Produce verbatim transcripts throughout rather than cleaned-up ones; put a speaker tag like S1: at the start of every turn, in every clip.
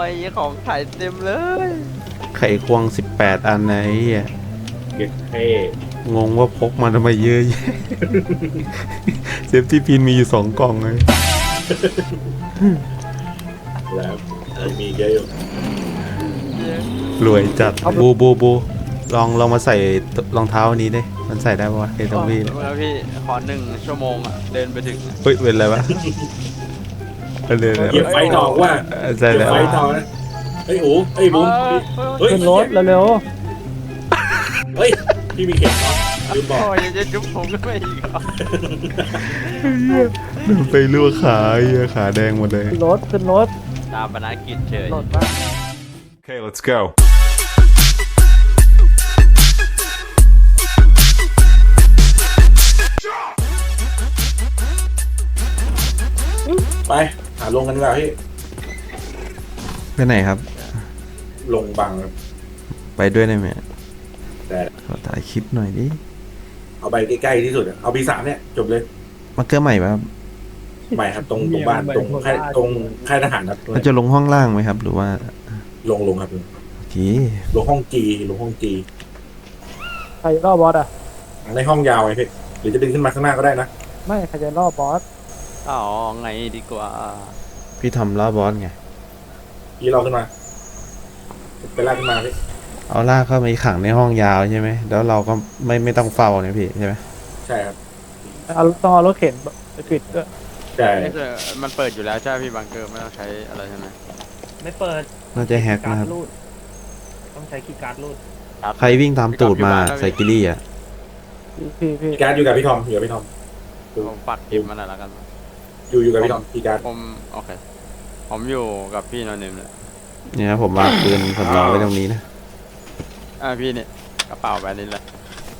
S1: ยของขายเต็มเลย
S2: ไข่ควงสิบแปดอันไหนอ่ะ
S3: เก็บเท่
S2: งงว่าพกมาทำไมเยอะแยะเซฟตี้พินมีอยู่สองกล่องเลย
S3: แล้วมีเยอะอยู่
S2: รวยจัดบูบูบูลองลองมาใส่รองเท้าอันนี้ดิมันใส่ได้ปะวะเอตวี
S1: แล้วพี่ขอหนึ่งชั่วโมงอ่ะเดินไปถึง
S2: เฮ้ยเป็นอะไรวะเดิน
S3: เก็บไฟทองว่า
S2: ใช่แล้ว
S3: ไฟทองนะเฮ้ยโอ้เฮ้ยบุ้ม
S4: เฮ้ยรถเร็ว
S3: เฮ้ยพี่มีเข็มเนาะลืมบอก
S1: โอ้ยจะจุ๊บผมก็ไม่อีก
S2: ไปลวกขาเหี้ยขาแดงหมดเลย
S4: รถขึ้นรถ
S1: ตามบรรณากิจเฉย
S2: Okay let's go
S3: ไปหาลงกันดีกว่าพี่
S2: ไปไหนครับ
S3: ลงบังครับ
S2: ไปด้วยได้ไหม
S3: ได้
S2: ขอถ่ายคลิปหน่อยดิ
S3: เอาไปใกล้ๆที่สุดเอาปีสามเนี่ยจบเลย
S2: มาเกอร์ใหม่ป่ะครับ
S3: ใหม่ครับตรงตรงบ้านตรงค่ายตรงค่ายทหารครับ
S2: มันจะลงห้องล่างไหมครับหรือว่า
S3: ลงลงครับ
S2: โอเค
S3: ลงห้องจีลงห้องจี
S4: ใครรอบบอสอ่ะ
S3: ในห้องยาวไงพี่หรือจะดึงขึ้นมาข้างหน้าก็ได้นะ
S4: ไม่ใครจะรอบบอส
S1: อ๋อไงดีกว่า
S2: พี่ทำล้อบอสไง
S3: พี่เราขึ้นมาไปลากขึ้นมาพี่
S2: เอาลากเข้ามาขังในห้องยาวใช่ไหมแล้วเราก็ไม่ไม่ต้องเฝ้าเนี่ยพี่ใช่ไหม
S3: ใช่ครับ
S4: เอาต้องเอารถเข็นไปปิดด้วย
S3: ใช่
S1: มันเปิดอยู่แล้วใช่พี่บังเกอร์ไม่ต้องใช้อะไรใช่ไหม
S4: ไม่เปิด
S2: น่าจะแฮกนะครับ
S4: ต้องใช้คีย์การ์ดรูด
S2: ใครวิ่งตามตูดมาใส่กิลี่อ่ะ
S4: พี่พี่
S3: การ์ดอยู่กับพี่ทอมอยู่กับพี่ทอม
S1: ผมปัดเกมมาหน่อยแล้วกัน
S3: อยู่อยู่กับพี่ทอมพี่การ์ด
S1: ผมโอเคผมอยู่กับพี่นอนนิ่มเลย
S2: เนี่ยผมวางปืนสำรองไว้ตรงนี้นะ
S1: อ่าพี่เนี่ยกระเป๋าใบนี้แหละ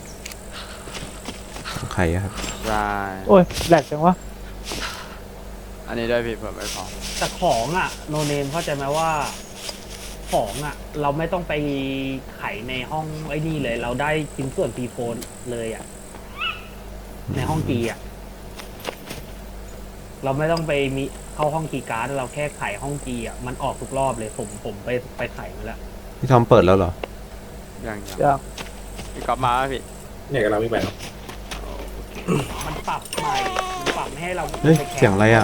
S2: ใครครับ
S1: ใช่
S4: โอ้ยแหลกจังวะ
S1: อันนี้ได้พี่เผื่อไม่พอ
S4: แต่ของอ่ะโนเนมเข้าใจไหมว่าของอ่ะเราไม่ต้องไปไขในห้องไอ้นี่เลยเราได้ชิ้นส่วนปีโฟนเลยอ่ะในห้องกีอ่ะเราไม่ต้องไปมีเข้าห้องกีการ์ดเราแค่ไขห้องกีอ่ะมันออกทุกรอบเลยผมผมไปไปไขมาแล้ว
S2: พี่ทอมเปิดแล้วเหรอ
S1: ยังยังพี่กลับมาพี่
S3: เนี่ยกับเราไม่ไปหรอก
S4: มันปรับใหม่มันปรับไม่ให้เรา
S2: เฮ้ยเสียงอะไรอ่ะ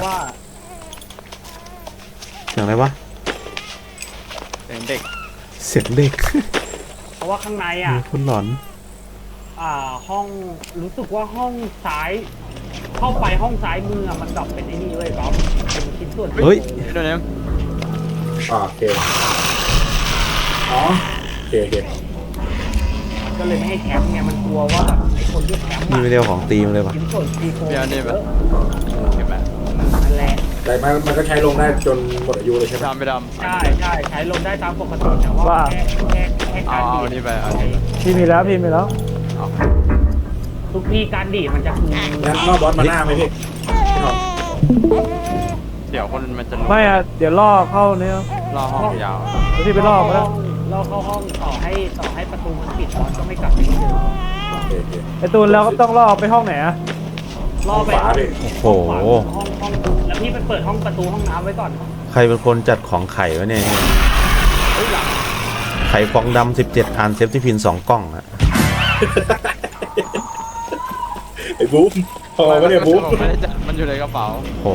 S2: เสียงอะไรวะ
S1: เสียงเด็ก
S2: เสียงเด็ก
S4: เพราะว่าข้างในอ่ะ
S2: คุณหลอน
S4: อ่าห้องรู้สึกว่าห้องซ้ายเข้าไปห้องซ้ายมือมันดรอปเป็นไอ้นี่เลยครับเป็นชิ้นส่วน
S2: เฮ้ย
S1: เดี๋ยวนี้
S3: อ๋อโอเคอ๋อโอเคโอเค
S4: ก็เลยไม่ให้แคมป์ไงมันกลัวว่าแบบไอ้คนที่แคมป์
S2: นี่ไม่เรียกของตีมเลยปะ
S4: ชิ้นส่วนตีโฟ
S1: เดี๋ยวนี้แบบเก็บแบบ
S4: นั่นแหละ
S3: แต่มันมันก็ใช้ลงได้จนหมดอายุเลยใช่ไหม
S1: ดำไปดำ
S4: ใช่ใช่ใช้ลงได้ตามปกติแต่ว่าแค่แค่แค่การดีด
S1: นี่ไป
S4: พี่มีแล้วพี่มีแล้ว
S1: ทุ
S4: กพี่การดีดมันจะคือ
S3: งั้นรอบบอสมาหน้าไหมพี่
S1: เดี๋ยวคนมันจะ
S4: ไม่อะเดี๋ยวล่อเข้าเนี่ย
S1: ล่อห้องยาว
S4: แล้วที่ไปล่อมาแล้วล่อเข้าห้องต่อให้ต่อให้ประตูมันปิดบอสก็ไม่กลับไปที่เดิมไอตูนแล้วก็ต้องล่อไปห้องไหนอะล่อไป
S2: โอ้โห
S4: ห้องห้องแล้วพี่ไปเปิดห้องประตูห้องน้ำไว้ก่อน
S2: ใครเป็นคนจัดของไข่วะเนี่ยไข่ฟองดำสิบเจ็ดอันเซฟตี้พินสองกล่องอะ
S3: ไอ้บุ๊มพอไม่ได้บุ๊ม
S1: ไม่ได้จัดมันอยู่ในกระเป๋า
S2: โอ้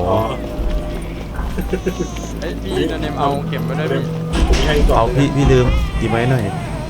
S1: ไอพี่นั่นเองเอาเก็บไว้ด้วย
S2: พี่เอาพี่พี่ลืมดีไหมหน่อย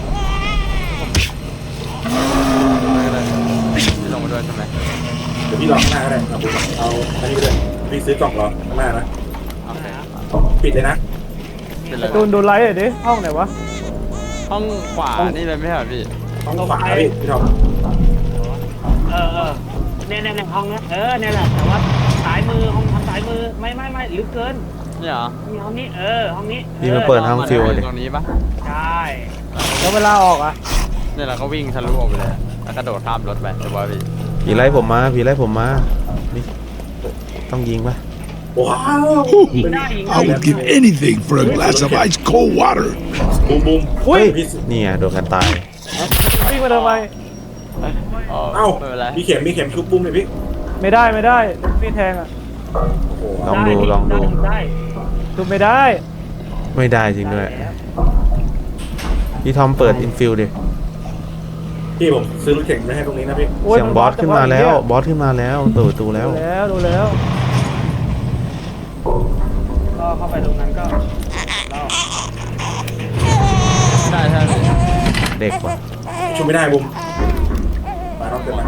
S1: พี่ลงมาด้วยใช่ไหม
S3: เดี๋ยวพี่รอข้างหน้าก็ได้เอาบุ๊มเอาอันนี้ไปเลยพี่ซื้อกล่องรอข้างหน้านะปิดเลยนะ
S4: ตูนดูไลท์ดิห้องไหนวะ
S1: ห้องขวานี่เลยไม่ใช่พี่
S3: ห้องขวาพี่พี่ทอม
S4: เออเออเนี่ยเนี่ยห้องนี้เออเนี่ยแหละแต่ว่าสายมือห้องทางสายมือไม่ไม่ไม่ลึกเกิน
S1: เนี่ยเหรอ
S4: ห้องนี้เออห้องนี้
S2: นี่มาเปิดห้องฟิวเลย
S1: ตรงนี้ปะ
S4: ใช่แล้วเวลาออกอ่ะ
S1: เนี่ยเราก็วิ่งทะลุออกไปเลยแล้วกระโดดข้ามรถไปเดี๋ยวว่าพี่
S2: ผีไล่ผมมาผีไล่ผมมานี่ต้องยิงปะ
S3: ว้าว
S5: I would give anything for a glass of ice cold water
S3: บูมบูม
S4: อุ้ย
S2: นี่ไงโดนกันตาย
S4: วิ่งมาทำไม
S3: เอ้ามีเข็มมีเข็มชุบบุ้มเลยพี่
S4: ไม่ได้ไม่ได้พี่แทงอ่ะ
S2: ลองดูลองดู
S4: ได้ทุบไม่ได้
S2: ไม่ได้จริงด้วย
S4: ได้แล้ว
S2: พี่ทอมเปิดอินฟิลดิ
S3: พี่ผมซื้อรถเข็นไม่ให้ตรงนี้นะพี่
S2: เสียงบอสขึ้นมาแล้วบอสขึ้นมาแล้วเปิดประตูแล้ว
S4: ดูแล้วดูแล้วก็เข้าไปตรงนั้นก็รอบ
S1: ใช่ใช่พี่
S2: เด็กว่ะ
S3: ชุบไม่ได้บุมมาต้องเกินมา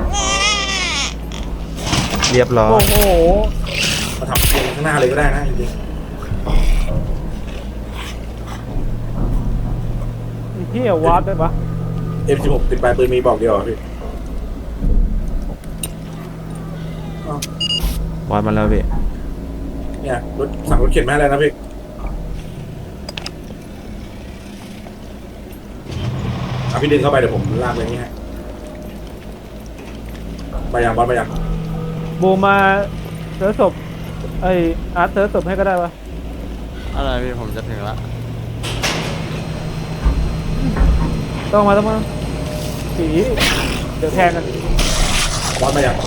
S2: เรียบร้อย
S4: โอ้โห
S3: มาทำเองข้างหน้าเลยก็ได้นะจริง
S4: พี่เอาวาร์ปได้ปะ
S3: ๆ เอ็ม สิบหก ติดปลายปืนมีบอกเดียวอ่ะพี่
S2: วาดมาแล้วพี่
S3: เนี่ยรถสั่งรถเข็นมาให้แล้วนะพี่เอาพี่ดึงเข้าไปเดี๋ยวผมลากไปนี่ให้ไปยังบอสไปยัง
S6: บูมมาเซิร์ชศพไออาร์ตเซิร์ชศพให้ก็ได้ปะ
S1: อะไรพี่ผมจะถึงละ
S6: ต้องมาต้องมาสีเดี๋ยวแทงกัน
S3: บอสไปยัง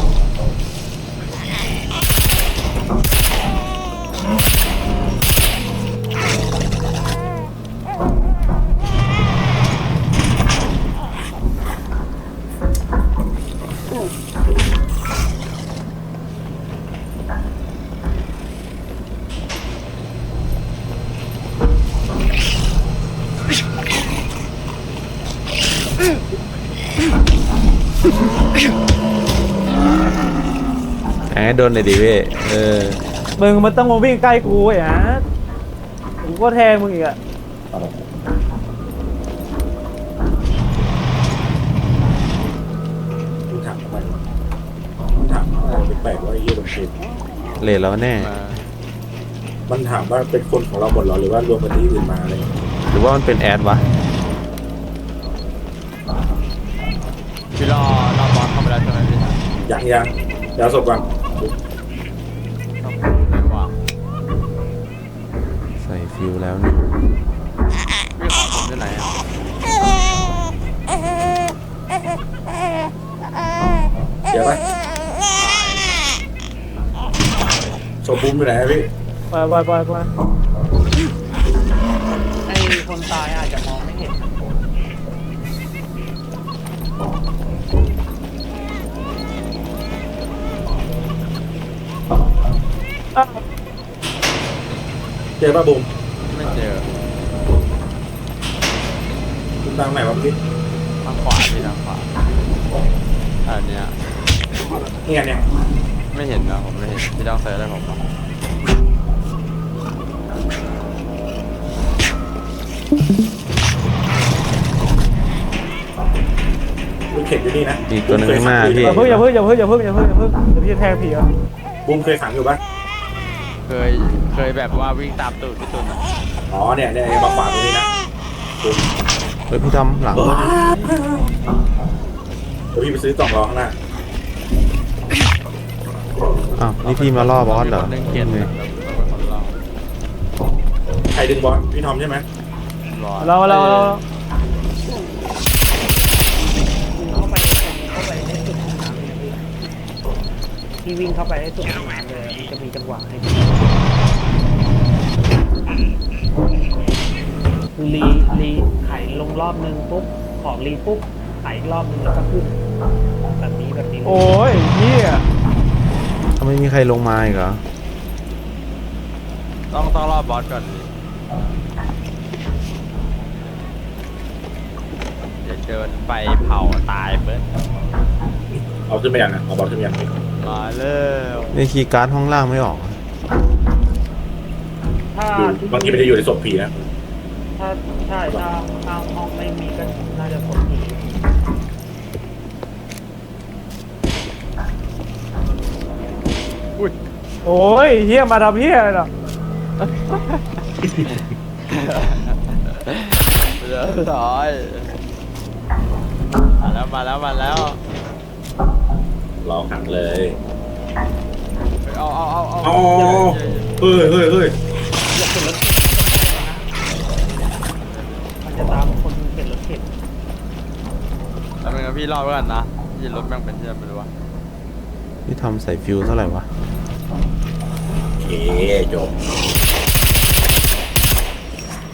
S2: แหมโดนเลยดิพี่เออ
S6: มึงมันต้องมาวิ่งใกล้กูไอ้อาร์ตกูก็แทงมึงอีกอะ
S3: คุณถามทำไมคุณถามอะไรแปลกๆว่าไอ้เหี้ยโดนเชน
S2: เลทแล้วแน่
S1: มา
S3: มันถามว่าเป็นคนของเราหมดเหรอหรือว่ารวมกันที่อื่นมาอะไรอย่างเงี้ย
S2: หรือว่ามันเป็นแอดวะ
S1: พี่รอรอบอสเข้าไปแล้วใช่ไหมพี่
S3: ยังยังเดี๋ยวเอาศพก่อน
S1: ต้องไม่วาง
S2: ใส่ฟิลแล้วนี่
S1: พี่ของผมที่ไหนอ่ะ
S3: เดี๋ยวไปศพบูมอยู่ไหนอะพี่
S6: ไปไปไปไป
S4: ไอ้คนตายอาจจะมองไม่เห็น
S6: อ้าว
S3: เจอป่ะบูม
S1: ไม่เจอ
S3: บูมตามไหนวะพี่
S1: ทางขวาพี่ทางขวาอันเนี้ย
S3: เนี่ยเนี่ย
S1: ไม่เห็นนะผมไม่เห็นพี่ต้องเซิร์ชให้ผมอ่ะ
S3: รถเข็นอยู่นี่นะ
S2: อีกตัวหนึงข้างหน้าพี่
S6: อย่าเพิ่งอย่าเพิ่งอย่าเพิ่งอย่าเพิ่งอย่าเพิ่งอย่าเพิ่งเดี๋ยวพี่จะแทงผีอ่ะ
S3: บูมเคยขังอยู่ปะ
S1: เคยเคยแบบว่าวิ่งตามตูดพี่ตุนอ่ะ
S3: อ๋อเนี่ยเนี่ยมาขวางตรงนี้นะบูม
S2: เฮ้ยพี่ทำหลัง
S3: เดี๋ยวพี่ไปซื้อกล่องรอข้างหน้า
S2: อ้าวนี่พี่มาล่อบอสเหรอ
S1: มีคนหนึ่งเกียน
S2: นี่
S1: แบบเป็นคนรอ
S3: ใครดึงบอสพี่ทอมใช่ไหม
S1: รอ
S6: เราเราเรา
S4: เข้าไปเข้าไปในสุดของน้ำเลยนะพี่พี่วิ่งเข้าไปในสุดของน้ำเลยมันจะมีจังหวะให้คือรีรีไขลงรอบนึงปุ๊บของรีปุ๊บไขอีกรอบนึงแล้วก็ขึ้นแบบนี้แบบนี้เลย
S6: โอ้ยเฮีย
S2: ทำไมมีใครลงมาอีกเหรอ
S1: ต้องต้องรอบบอสก่อนดิเดี๋ยวเดินไปเผาตายเบิ้ล
S3: เอาขึ้นไปยังนะเอาบอสขึ้นไปยังพี่
S1: มาเร็ว
S2: นี่คีย์การ์ดห้องล่างไม่ออก
S4: ถ้า
S3: อยู่บางทีมันจะอยู่ในศพผีนะ
S4: ถ้าใช่ถ้าถ้าห้องไม่มีก็น่าจะสมผี
S1: อุ้ย
S6: โอ้ยเฮียมาทำเฮียอะไรหรอ
S1: เรียบร้อยมาแล้วมาแล้วมาแล้ว
S3: รอขังเลย
S1: เอาเอาเอาเอา
S3: อ๋อเฮ้ยเฮ้ยเฮ้ย
S4: อย่าเป็นรถเข็นมันจะตามคนเป็นรถเข็น
S1: แล้วมึงกับพี่รอดไว้ก่อนนะยี่รถแม่งเป็นที่ไหนไม่รู้วะ
S2: พี่ทำใส่ฟิลเท่าไหร่วะ
S3: โอเคจบ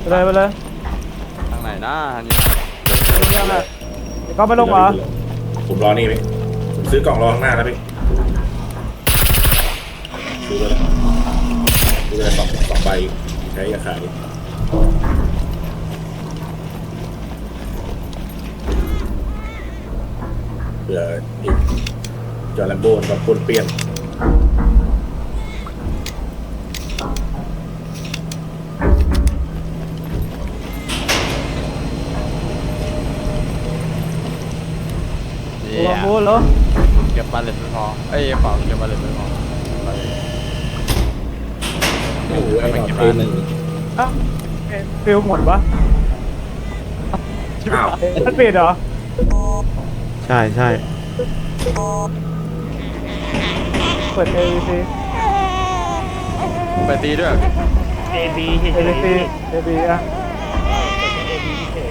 S6: ไปเลยไปเลย
S1: ทางไหนนะอันนี้
S6: เรื่องอะไรเดี๋ยวก็ไม่ลงเหรอ
S3: ผมรอนี่พี่ผมซื้อกล่องรอข้างหน้าแล้วพี่ดูเลยดูเลยสองสองใบใช้ยาขายเผื่ออีกจอร์แลมโบนกับคนเปลี่ยน
S1: เนี่
S6: ล
S1: ย
S6: องพูดเหรอ
S1: เก็บบาเลตไม่พอเอ้ยเปล่าเก็บบาเลตไม่พอ
S3: โอ้โหไอ้หนอนตัวหนึ่ง
S6: อ้าวเอ๊ะฟิลหมดปะ
S3: อ้าว
S6: เอ๊ะมันปิดเหรอ
S2: ใช่ใช่
S6: เปิด เอ วี ซี
S1: ไปตีด้วย
S4: เอบีเฉย
S6: เอ วี ซี เอ วี อ่ะ
S4: เอบีเฉย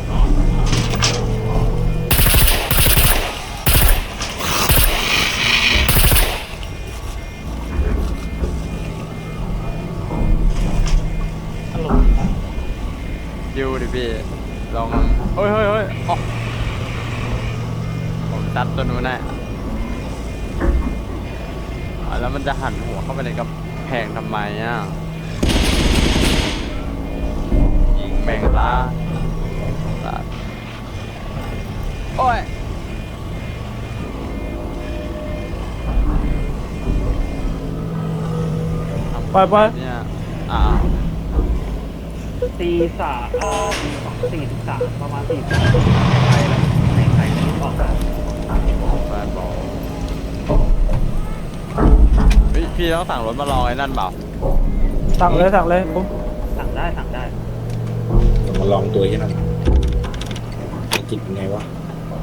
S1: ดิวดิพี่ลองเฮ้ยเฮ้ยเฮ้ยอ๋อผมตัดตัวนู้นแน่อ่ะแล้วมันจะหันหัวเข้าไปในกำแพงทำไมอ่ะยิงแมงลาตัดโอ้ย
S6: ปล่อยปล่อย
S1: เนี่ยอ่า
S4: ตีสามเอ่อสี่สิบสามประมาณสี่สิบสามใครละในใครที่ออกมา
S1: แฟนบอกเฮ้ยพี่ต้องสั่งรถมาลองไอ้นั่นเปล่า
S6: สั่งเลยสั่งเลยปุ๊บ
S4: สั่งได้สั่งได้
S3: ผมมาลองตัวที่นั่นจิตเป็นไงวะ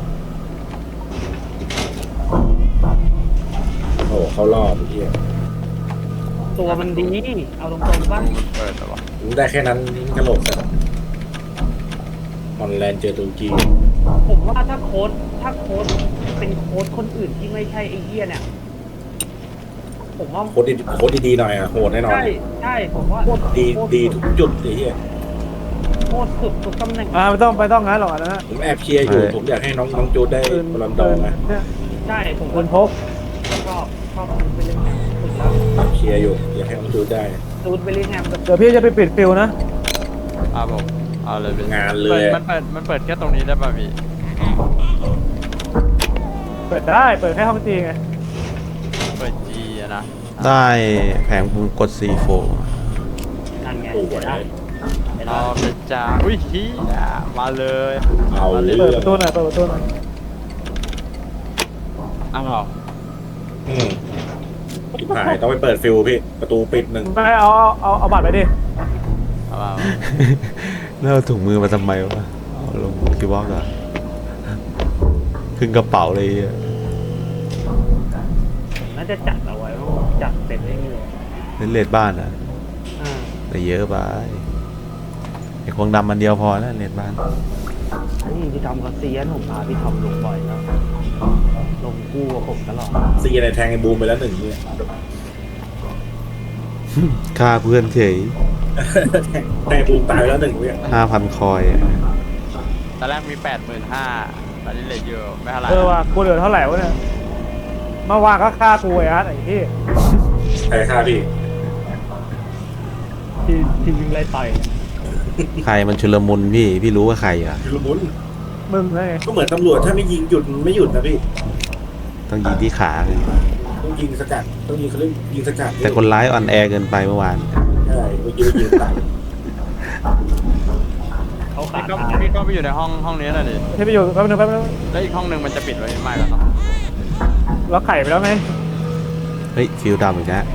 S3: โอ้โหเขารอบไอ้เหี้ย
S4: ตัวมันดีเอาตรงๆป่ะ
S1: มันเปิดแต่ว่า
S3: รู้ได้แค่นั้นนี่กระโหลกแต่ฮอลแลนด์เจอตุรกี
S4: ผมว่าถ้าโค้ดถ้าโค้ดเป็นโค้ดคนอื่นที่ไม่ใช่ไอ้เหี้ยเนี่ยผมว่า
S3: โคตรดีโคตรดีๆหน่อยอ่ะโหดแน่นอน
S4: ใช่ใช่ผมว่า
S3: ดีดีทุกจุดไอ้เหี้ย
S4: โคตรสุดทุกตำแหน่ง
S6: อ่าไม่ต้องไม่ต้องงั้นหรอกอันนั้นนะ
S3: ผมแอบเชียร์อยู่ ผมอยากให้น้องน้องจูดได้
S6: ปืน
S3: บอลลอนดอร์นะ
S6: เนี่ย
S4: ใช่ผม
S6: ปืนพก
S4: ชอบชอบซูดเบลลิงแฮมสุดแล้ว
S3: แอบเชียร์อยู่ อยากให้น้องจูดได้
S4: ซูดเบลลิงแฮมกับ
S6: เดี๋ยวพี่จะไปปิดฟิลนะ
S1: อ่าผมเอาเลยพี่
S3: งานเล
S1: เปิด
S3: ย
S1: มันเปิดมันเปิดแค่ตรงนี้ได้ป่ะพี่
S6: เปิดได้เปิดแค่ห้องจีไง
S1: เปิดจีอะนะ
S2: ได้แผงภูมิกด ซี โฟร์
S4: นั่นไง
S3: โอ้โห
S4: เห็นได้เห็น
S1: ร
S4: ได้
S1: อเป็นจ้าอุ้ยเฮียมาเลย
S3: เอาเรื่
S6: เปิด
S3: อ
S6: ป
S3: ง
S6: ระตูหน่อยเปิดประตูหน่อย
S1: อ้าว
S3: อืมชิบหายต้องไปเปิดฟิลพี่ ประตูปิดหนึ่ง
S6: ไม่เอาเอาเอาเอาบัตรไปดิ
S1: เอามา
S2: แล้วเอาถุงมือมาทำไมวะเอาลงคิวบอกอะขึ้นกระเป๋าเลยอะ
S4: น่าจะจัดเอาไว้ว่าจัดเสร็จได้เลย
S2: เล่นเลดบ้านอะ
S4: อ่า
S2: แต่เยอะไปไอ้ควงดำมันเดียวพอแล้วเลดบ้าน
S4: นี่พี่ทอมเขาเซียนผมพาพี่ทอมลงบ่อยแล้วลงคู่กับผมตลอด
S3: ซีในแทงไอ้บูมไปแล้วหนึ่งเนี่ย
S2: ฆ่าเพื่อนเฉย
S3: แทงแทงบูมตายไปแล้วหนึ่งเนี่ย
S2: ห้าพันคอยอะ
S1: ตอนแรกมีแปดหมื่นห้าตอนนี้เหลือเยอะไม่เท่าไหร่
S6: เออว่ะกูเหลือเท่าไหร่วะเนี่ยเมื่อวานก็ฆ่ากูไอ้อาร์ตไอ้ที่
S3: ใครฆ่าพี่
S4: ที่ที่วิ่งไล่ต่อย
S2: ใครมันชุลมุนพี่ พี่รู้ว่าใครอะ
S3: ชุลมุน
S6: มึงไง
S3: ก็เหมือนตำรวจถ้าไม่ยิงหยุดมันไม่หยุดนะพี่
S2: ต้องยิงที่ขาคือ
S3: ต้องยิงสกัด ต้องยิงเขาเรียกยิงสกัด
S2: แต่คนร้ายอ่อนแอเกินไปเมื่อวาน
S3: ใช่เมื่อกี้ยิงตาย
S4: เขาขา
S1: พี่
S4: ด
S1: ก็
S4: ตาย
S1: พี่ก็ไปอยู่ในห้องห้องนี้น่ะดิ
S6: ที่ไปอยู่แป๊บนึงแป๊บนึง
S1: แล้วอีกห้องหนึ่งมันจะปิดไว้ไม่แล้วเนาะ
S6: เราไข่ไปแล้วไง
S2: เฮ้ย ฟิลดำอีกแล้ว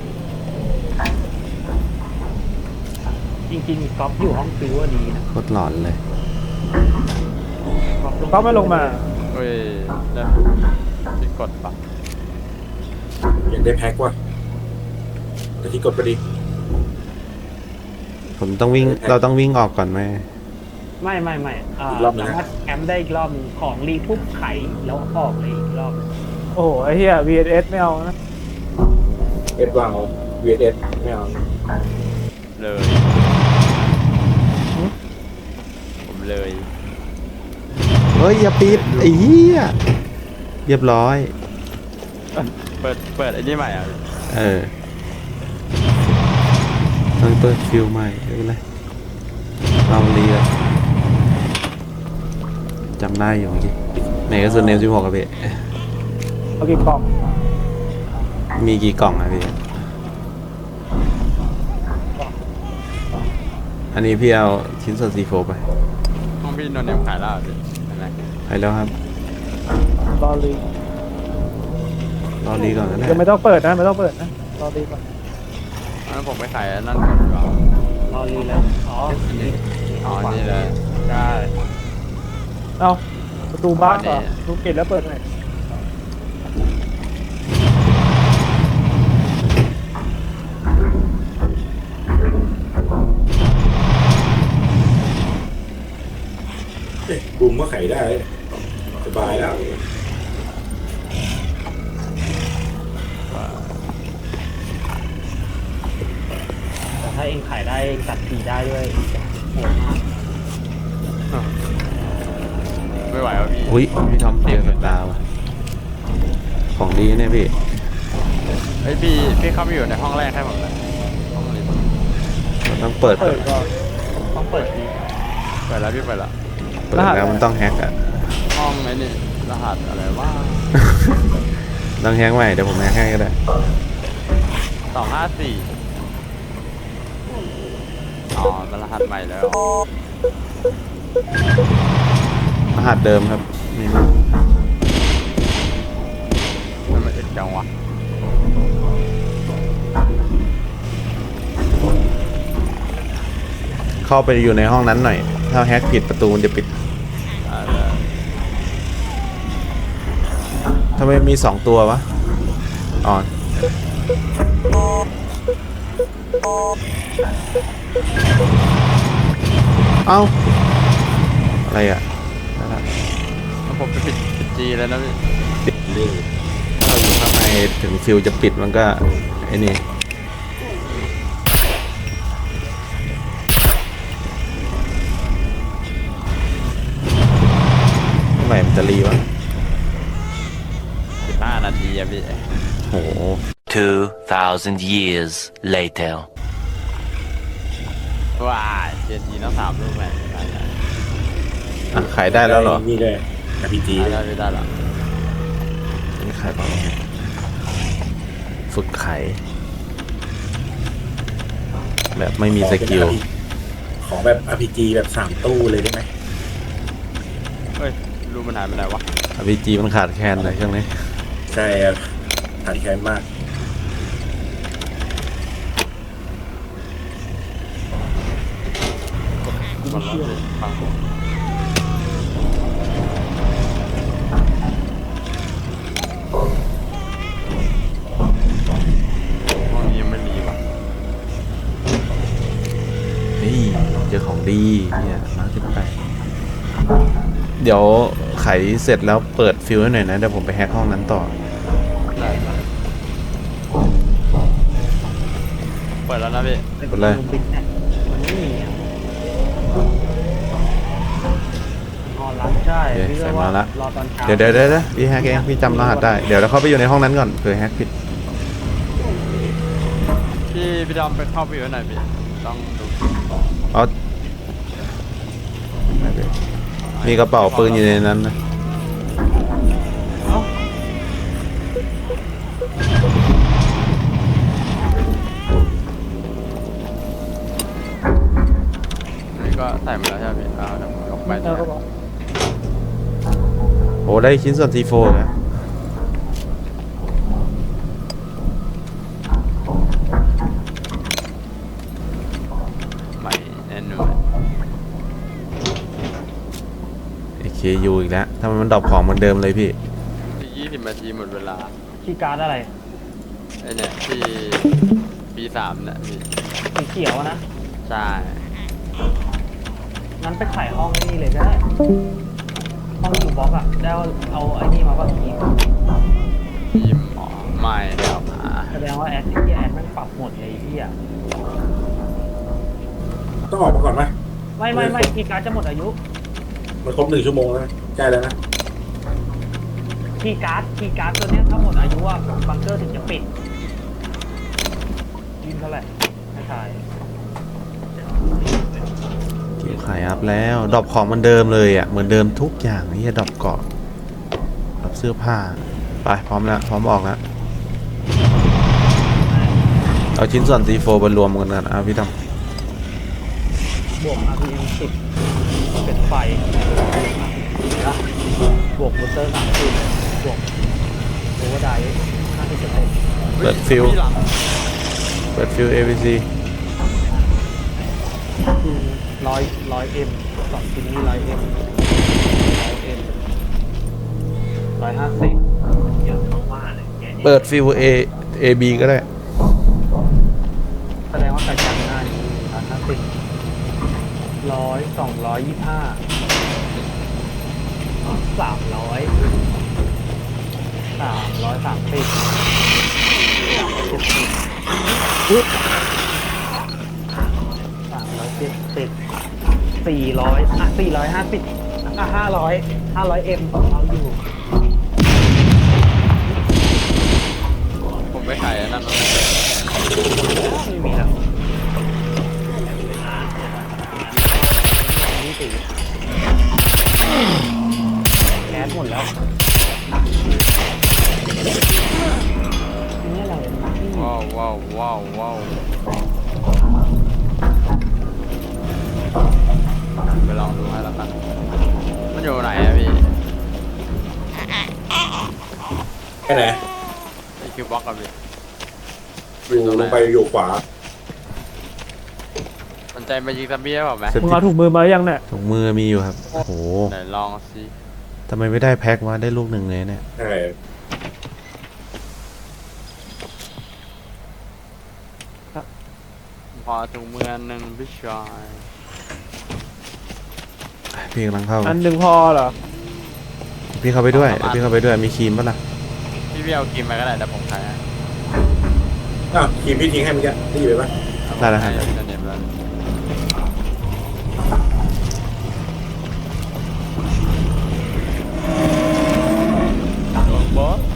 S4: จริงๆก๊อฟอยู่ห้องฟิวว่าดีนะ
S2: โคตรหลอนเลย
S4: ก๊อฟลง
S6: เขาไม่ลงมา
S1: เฮ้ยได้พี่กดปะ
S3: อยากได้แพ็กว่ะแต่ที่กดไปดิ
S2: ผมต้องวิ่ง เราต้องวิ่งออกก่อนไหม
S4: ไม่ไม่ไม่อ่า
S3: อีกรอบหนึ่ง
S4: สา
S3: นะ
S4: มารถแคมป์ได้อีกรอบหนึ่งของรีทุบไขแล้วออกเลยอีกรอบหนึ่ง
S6: โอ้โหไอ้เหี้ย วี เอส ไม่เอานะ
S3: เอ็ดวางเอา วี เอส ไม่เอา
S1: เลย
S2: ฮ้ยอย่าปิดไอ้เหี้ยเรียบร้อย
S1: เปิดเปิดไอ้นี่ใหม่อ่ะ
S2: เออต้องเปิดฟิลใหม่ไม่เป็นไรเราเรียนจำได้อยู่เมื่อกี้ไหนก็ส่วนเนมสิบหกครับพี่
S6: เอากี่กล่อง
S2: มีกี่กล่องอะพี่ อันนี้พี่เอาชิ้นส่วนซีโฟไป
S1: ห้องพี่นนท์เนี่ยขายแล้วเหรอพี่อะไร
S2: ไปแล้วครับ
S6: รอรี
S2: รอรีก่อนก็ได้
S6: ยังไม่ต้องเปิดนะไม่ต้องเปิดนะรอรีก่อน
S1: งั้นผมไปขายอันนั่นก่อนดีกว่าร
S4: อรีแล้วอ๋อนี่
S1: อ๋อนี่เลย
S4: ได้
S6: เอาประตูบ้านเหรอประตูปิดแล้วเปิดหน่อย
S3: เอ๊ะบุมก็ไขได้สบายแล้ว
S4: แต่ถ้าเองขายได้จัดทีได้ด้วยโหดมาก
S1: ไม่ไหวแล้วพี่
S2: อุ้ยพี่ทอมเจอกับตาว่ะของดีเนี่ยพี่
S1: เฮ้ยพี่พี่เข้าไปอยู่ในห้องแรกให้ผมเลยห้องนี้
S2: มันต้องเปิด
S6: เปิดก่อน
S4: ต้องเปิดที
S1: เปิดแล้วพี่เปิดแล้ว
S2: เปิดแล้วมันต้องแฮกอะ
S1: ห้องไอ้นี่รหัสอะไรว่า
S2: ต้องแฮกใหม่เดี๋ยวผมแฮกให้ก็ได้
S1: สองห้าสี่อ๋อมันรหัสใหม่แล้ว
S2: รหัสเดิมครับนี่มั้ง
S1: มันไม่เอ็ดจังวะ
S2: เข้าไปอยู่ในห้องนั้นหน่อย ถ้าแฮกผิดประตูมันจะปิด
S1: อ่าแล้ว
S2: ทำไมมีสองตัววะอ๋อเอ้า อะไรอ่ะนั่นแหละ
S1: แล้วผมไปปิดปิดจีแล้วนะพี่
S2: ปิดเลยถ้าเราอยู่ข้างในถึงฟิวจะปิดมันก็ไอ้นี่เมื่อไหร่มันจะรีวะ
S1: สิบห้านาทีอะพี่
S2: โห
S7: Two thousand years later.
S1: ว้ายเจนจีต้องสามลูกแม่ได้ได้
S2: อ่ะขายได้แล้วเหรอ
S3: นี่เลยอาร์พีจี
S1: ได้ได้ได้แล้ว
S2: นี่ขายเปล่าฝึกขายแบบไม่มีสกิล
S3: ของแบบ อาร์ พี จี แบบสามตู้เลยได้ไหม
S1: เฮ้ยรูมันหายไปไหนวะ
S2: อาร์พีจีมันขาดแคลนเลยช่วงนี้
S3: ใช่ครับขาดแคลนมาก
S1: มันร้อนเลยฟังผมห้องนี้ยังไม่มีว่ะ
S2: เฮ้ยเจอของดีเนี่ยมาร์คที่แปดเดี๋ยวไขเสร็จแล้วเปิดฟิลให้หน่อยนะ เดี๋ยวผมไปแฮกห้องนั้นต่อ
S1: ได้ได้เปิดแล้วนะพี่
S4: เป็น
S2: กดเลย
S4: รูบิกเนี่ยมันไม่มีอ่ะอ๋อรับใช่
S2: โอเค
S4: พี่
S2: ใส่
S4: ก็
S2: มา
S4: ว่า
S2: ละ
S4: รอตอนเช้า
S2: เดี๋ยวเดี๋ยวเดี๋ยวเดี๋ยวพี่แฮกเองพี่จำรหัสได้ เดี๋ยวเราเข้าไปอยู่ในห้องนั้นก่อนเผื่อแฮกผิด
S1: พี่พี่ดอมไปเข้าไปอยู่ไหนพี่ต้องดู
S2: เอามีกระเป๋าปืนอยู่ในนั้นนะ
S4: เอ้า
S1: นี่ก็ใส่มาแล้วใช่ไหมพี่อ่าเดี๋ยวผมยกไป
S6: เออเขาบอก
S2: โอ้ได้ชิ้นส่วนทีโฟนะ
S1: ใหม่แน่นอน
S2: เอเคยูอีกแล้วทำไมมันดรอปของเหมือนเดิมเลยพี่
S1: ที่ยี่สิบนาทีหมดเวลา
S4: คีย์การ์ดอะไร
S1: ไอเนี่ยที่ปีสามเนี่ยพี่
S4: สีเขียวอะนะ
S1: ใช่
S4: งั้นไปขายห้องนี่เลยก็ได้ ห้องอยู่บล็อกอะได้เอาเอาไอ้นี่มาป่ะทีม
S1: ยิมหมอไม่แล้วอ่า
S4: แสดงว่าแอดที่แอดมันปรับหมดเลยพี่อะ
S3: ต้องออกมาก่อนไหม
S4: ไม่ไม่ไม่คีย์การ์ดจะหมดอายุ
S3: มันครบหนึ่งชั่วโมงแล้วนะใกล้แล้วนะ
S4: คีย์การ์ดคีย์การ์ดตัวเนี้ยถ้าหมดอายุอะบังเกอร์ถึงจะปิดยิงเท่าไหร่ไม่ทาย
S2: เก็บขายอัพแล้วดรอปของเหมันเดิมเลยอ่ะเหมือนเดิมทุกอย่างนี่ดรอปเกาะดรอปเสื้อผ้าไปพร้อมแล้วพร้อมออกแล้วเอาชิ้นส่วน ซี โฟร์ ไปรวมกันกันอ่ะพี่ด
S4: บวก อาร์ พี เอ็ม สิบเป็นไฟนะบวกบูสเตอร์สามสิบบวกโอเวอร์ไดร์ห้าสิบเปอร์เซ็นต์
S2: ำเปิดฟิลเปิดฟิล เอ วี ซี
S4: ร้อยร้อยเอ็มสองชิ้นนี้ร้อยเอ็มร้อยเอ็มร้อยห้าสิบเยอะมากๆเลยแกเนี่ย
S2: เปิดฟิล A AB ก็ได้
S4: แสดงว่ากระจังหน้านี้ร้อยห้าสิบร้อยสองร้อยยี่ห้าสามร้อยสามร้อยสามสิบเจ็ดสิบอุ๊ยสามร้อยเจ็ดสิบสี่ร้อยอ่ะสี่ร้อยห้าสิบอ่ะห้าร้อยห้าร้อยเอ็มเอาอยู่
S1: ผมไปขายอันนั้นมา
S4: ไม่มีแล้วนี่ตีแก๊สหมดแล้วนี่อะไร
S1: ว้าวว้าวว้าวว้าวไปลองดูให้แล้วกันมันอยู่ไหนอะพี่
S3: แค่ไหน
S1: ไอคิวบล็อกกับพี่
S3: อยู่ลงไปอยู่ขวา
S1: สนใจมายิงซัมบี้ได้เปล่าไหม
S6: มึงเอาถุงมือมาหรือยังเนี่ย
S2: ถุงมือมีอยู่ครับ โอ้โห
S1: ไหนลองสิ
S2: ทำไมไม่ได้แพ็ควะได้ลูกหนึ่งเลยเนี่ย
S3: ใช่
S1: พอถุงมืออันหนึ่งพี่ชาย
S2: พี่กำลังเข้า
S6: อันหนึ่งพอเหรอ
S2: พี่เข้าไปด้วยพี่เข้าไปด้วยมีครีมปะล่ะ
S1: พี่พี่เอากินมาก็ได้แต่ผมขายให้
S3: อ้าวทีมพี่ทิ้งให้เมื่อกี้ได้ยินไหม
S2: ได้แล้วครับ
S1: ให้พี่เน็ตแล้ว บอส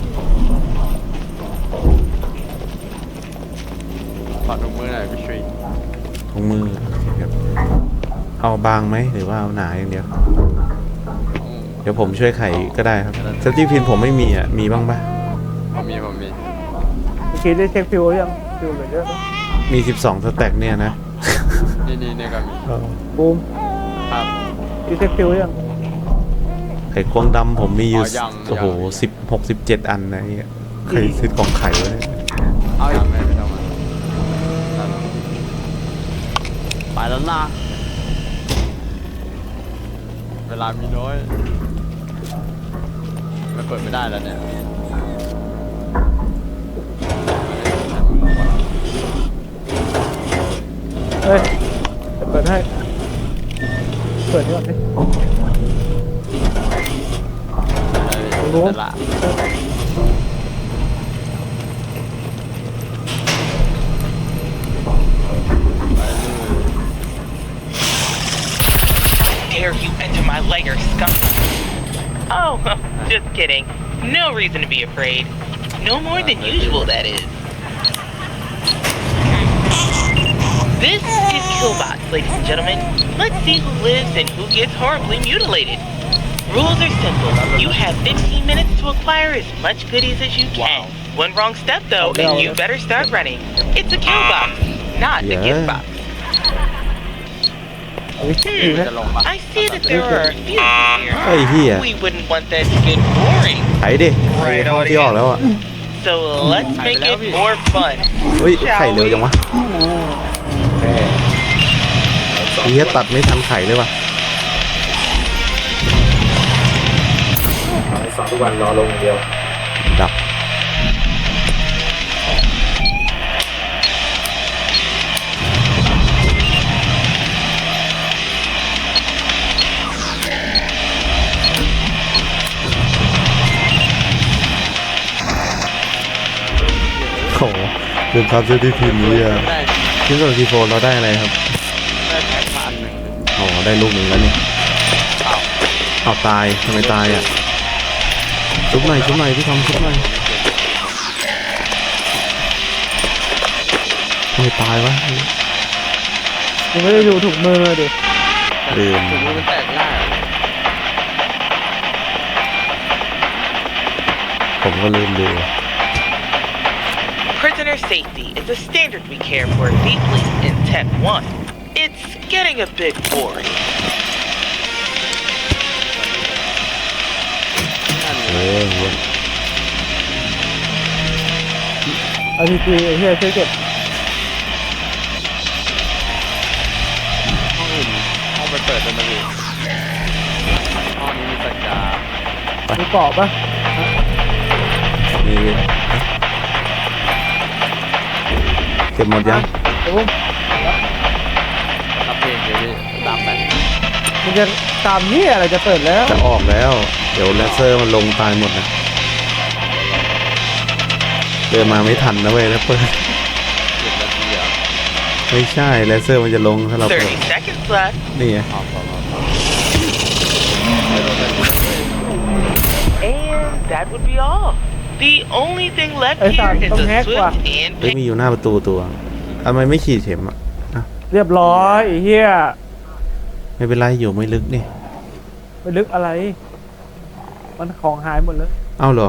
S1: ขอถุงมือหน่อยพี่ชุย
S2: ถุงมือโอเคครับเอาบางไหมหรือว่าเอาหนาอย่างเดียว เดี๋ยวผมช่วยไขก็ได้ครับเซฟตี้พินผมไม่มีอ่ะมีบ้างปะ
S1: ผมมีผมมี
S6: เมื่อกี้ได้เช็คฟิวยังฟิวเหลือเยอะปะ
S2: มีสิบสองสแต็กเนี่ยนะ
S1: นี่นี่นี่ก็มี
S6: บูม
S1: ครับ
S6: ได้เช็คฟิวยัง
S2: ไข่ควงดำผมมีอยู่
S1: อ๋อยัง
S2: โอ้โห
S1: ยัง
S2: สิบหกสิบเจ็ดอันนะเนี่ยเคยซื้อกล่องไข่ไว้เนี่ย
S1: เอาอีกไม่ไม่ต้องมาไปแล้วนะเวลามีน้อยมันเปิดไม่ได้แล้วเนี่ย
S6: เฮ้ยเปิดให้เปิดนี่ก่อนดิ รู้
S1: แต่ละ
S8: Dare you enter my lair, skunk? Oh, just kidding. No reason to be afraid. No more than usual, that is. This is Killbot, ladies and gentlemen. Let's see who lives and who gets horribly mutilated. Rules are simple. You have fifteen minutes to acquire as much goodies as you can. One wrong step, though, and you better start running. It's a kill box, not a
S2: Yeah.
S8: gift box.
S6: ดีไหม
S1: จะลงปะ
S8: I see that there are a few here.
S2: ไอ้เหี้ย
S8: We wouldn't want that to get boring.
S2: ไขดิไข่ห้องที่ออกแล้วอ่ะ
S8: So let's make it more fun.
S2: เฮ้ยไข่เร็วจังวะแหมไอ้เหี้ยตัดไม่ทันไข่เลยว่ะ
S3: สองทุกวันรอลงอย่างเดียว
S2: ดับโอ้โหเดินครับเซฟตี้พินนี้อ่ะ
S1: ได้
S2: ชิ้นส่วนซีโฟเราได้อะไรครับ
S1: ได้แพ็คมาอันหนึ่ง
S2: อ๋อได้ลูกหนึ่งแล้วนี่
S1: อ้าว
S2: เอาตายทำไมตายอ่ะชุบหน่อยชุบหน่อยพี่ทอมชุบหน่อยทำไมตายวะ
S6: ยังไม่ได้ดูถุงมือดิ
S2: ลืม
S1: ถุงมือมันแตกง่ายเหรอ
S2: ผมก็ลืมดู
S8: Prisoner safety is a standard we care for deeply in Tech one. It's getting a bit boring.
S2: เออเว้ย
S6: เอาทีทีไอ้เหี้ยช่วยเก็บ
S1: ห้องอื่นห้องไปเปิดเป็นมาดิห้องนี้มีสัญญา
S6: มีเกาะปะ
S2: นี่เก็บหมดยัง
S6: เดี๋ยวผม
S1: รับเพลงเลยพี่ตามไป
S6: มันจะตามเหี้ยอะไรจะเปิดแล้ว
S2: จะออกแล้ว เดี๋ยวเลเซอร์มันลงตายหมดนะเดินมาไม่ทันนะเว้ยแล้วเปิด
S1: เจ็ดนาทีอ่ะ
S2: ไม่ใช่เลเซอร์มันจะลงถ้าเราเปิด
S8: thirty seconds left.
S2: นี่ไง
S1: เอาพอพอพอไปโดนไปดูเลย
S8: And that would be all. The only thing left
S6: Ê,
S8: here
S6: sao
S8: is
S6: không
S8: a
S6: hát quá?
S8: swift and
S2: เฮ้ยมีอยู่หน้าประตูตัวทำไมไม่ขีดเข็มอ่ะ
S6: เรียบร้อยไอ้เหี้ย
S2: ไม่เป็นไรอยู่ไม่ลึกนี่
S6: ไปลึกอะไร มันของหายหมดเลย
S2: เอ้าเหรอ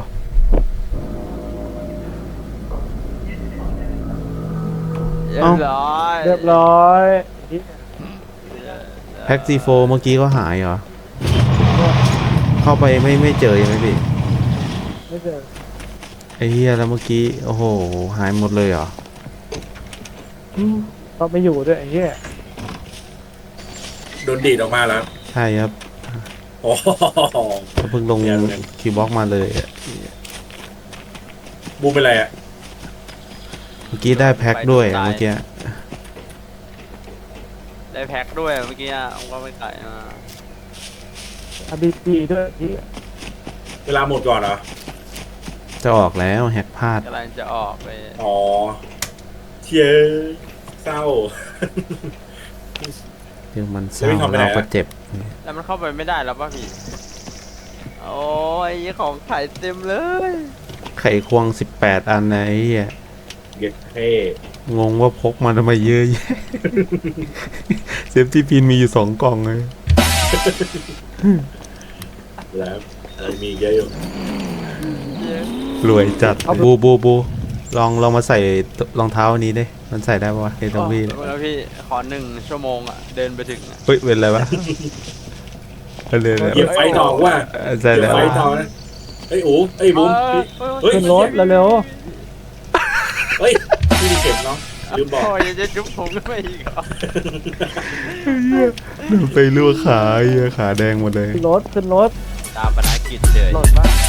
S1: เรียบร้อย
S6: เรียบร้อยไอ้เหี้ย
S2: แพ็กซีโฟเมื่อกี้ก็หายเหรอ เข้าไปไม่ไม่เจอยังไหมพี่
S6: ไม่เจอ
S2: ไอ้เหี้ยแล้วเมื่อกี้โอ้โหหายหมดเลยเหรอ
S6: อืมก็ไม่อยู่ด้วยไอ้เหี้ย
S3: โดนดีดออกมาแล้ว
S2: ใช่ครับ
S3: โอ้โห
S2: เขาเพิ่งลง
S3: เดี๋ยวเดี๋ยว
S2: คีย์บ็อกซ์มาเลยอะ
S3: บูมเป็นไรอ่ะ
S2: เมื่อกี้ได้แพ็คด้วยเมื่อกี้
S1: ได้แพ็คด้วยเมื่อกี้อ่ะว่าไม่ขายมา
S6: อาบีจีด้วยไอ้เหี้ย
S3: เวลาหมดก่อนเหรอ
S2: จะออกแล้วแฮกพลาด
S1: กำลังจะออกไป
S3: อ๋อเชียเศร้า
S2: เรื่องมันเศร้า
S3: เฮ้ยทำไปไหน
S2: เรา
S3: อะ
S2: ก็เจ็บ
S1: แล้วมันเข้าไปไม่ได้แล้วป่ะพี่โอ้ยของขายเต็มเลย
S2: ไข่ควงสิบแปดอันนะไอ้เหี้ย
S3: เก็บเท่
S2: งงว่าพกมาทำไมเยอะแยะ เซฟตี้พินมีอยู่สองกล่องเลย
S3: แล้วอะไรมีเยอะอยู่
S2: รวยจัดบูบูบูลองลองมาใส่รองเท้าอันนี้ดิมันใส่ได้ปะวะไอ้ตรงพี่เนี่ย
S1: แล้วพี่ขอหนึ่งชั่วโมงอ่ะเดินไปถึงอ่ะ
S2: เฮ้ยเป็นอะไรวะเอาเลยเลย
S3: เหยียบไฟทองว่า
S2: ใช่
S3: เหยีย
S2: แล้
S3: บ
S2: ว
S3: ไฟทองนะเอ้ยโอ้เอ้ยบูมเฮ้ย
S6: ขึ้นรถเร็ว
S3: เฮ้ยพี่มีเข็มเนาะลืมบอก
S1: โอ้ยยังจะจุ๊บผมก็ไม่อีกเหรอ
S2: ไปลวกขาไอ้เหี้ยขาแดงหมดเลย
S6: ๆขึ้นรถขึ้นรถ
S1: ตามปนากิจเลย
S6: โหลดบ้าง